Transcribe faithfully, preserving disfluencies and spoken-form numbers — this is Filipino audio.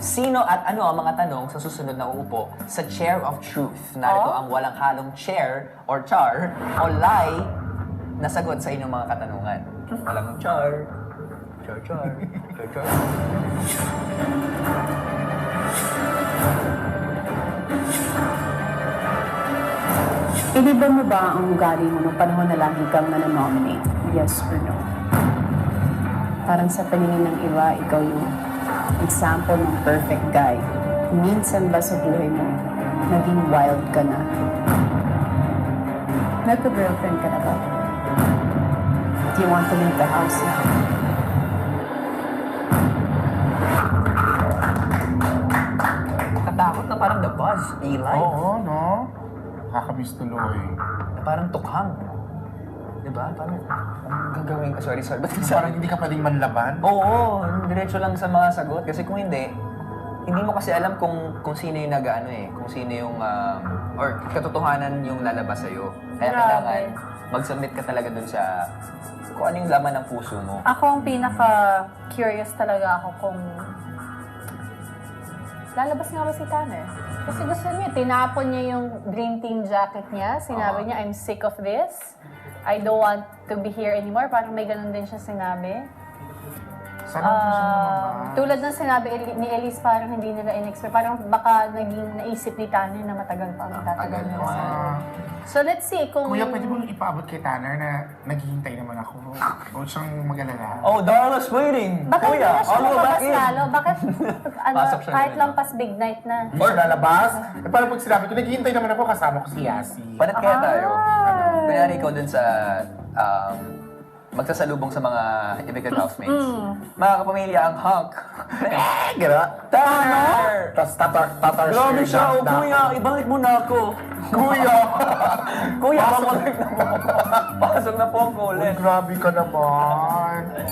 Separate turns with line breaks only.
Sino at ano ang mga tanong sa susunod na uupo sa Chair of Truth? Narito
Oh?
ang walang halong chair or char o lie na sagot sa inyong mga katanungan. Walang char. Char, char. Char, char.
Iniba mo ba ang ugali mo nung panahon na lagi kang nanonominate? Yes or no? Parang sa paningin ng iba, ikaw yung example ng perfect guy. Minsan ba sa buhay mo, naging wild ka na? Nagka-girlfriend ka na ba? Do you want to leave the house now?
Katakot na parang the buzz, Eli.
Oo, no? Nakakamiss tuloy.
Na parang tukhang. Diba? Parang, ang gagawin ka? Sorry, sorry. Ba't
Parang
parang
hindi ka pwedeng manlaban.
Oo, diretso lang sa mga sagot. Kasi kung hindi, hindi mo kasi alam kung kung sino yung nag-ano eh. Kung sino yung, um, or katotohanan yung lalabas sa'yo. Kaya
Grabe.
kailangan mag-submit ka talaga dun sa kung ano yung laman ng puso mo.
Ako ang pinaka-curious talaga ako kung lalabas nga ba si Tanner? Kasi gusto niya, tinapon niya yung Dream Team jacket niya. Sinabi niya, I'm sick of this. I don't want to be here anymore. Parang may ganun din siya sinabi.
Sana uh, siya
Ah,
lumabas.
tulad ng sinabi Eli- ni Elise, parang hindi nila in-expect. Parang baka naging naisip ni Tanner na matagal pa ang tatagal
Tagal
nila
naman.
sa...
Ah,
So let's see kung...
kuya, pwede mong ipaabot kay Tanner na naghihintay naman ako. Huwag siyang mag-alala.
Oh, Darla's waiting!
Bakit hindi na siya
all the way back
lumabas
in.
lalo? Bakit ano,
Pasok siya
kahit
ngayon.
lampas big night na?
Or lalabas. Eh, parang pag sinabi ko, naghihintay naman ako kasama ko si Yasi.
Panat kaya tayo.
Ah.
Kunyari ikaw dun sa um, magsasalubong sa mga immigrant housemates. Mga kapamilya ang hunk. Eh, gano'n. Tanner!
Tapos tatar, tatar
Grabe
shirt
siya,
na-
oh,
na-
kuya, ibalik mo na ako.
Kuya!
Kuya, pabalik na po ako. Pasok na po ako
Uy,
ulit.
grabe ka naman.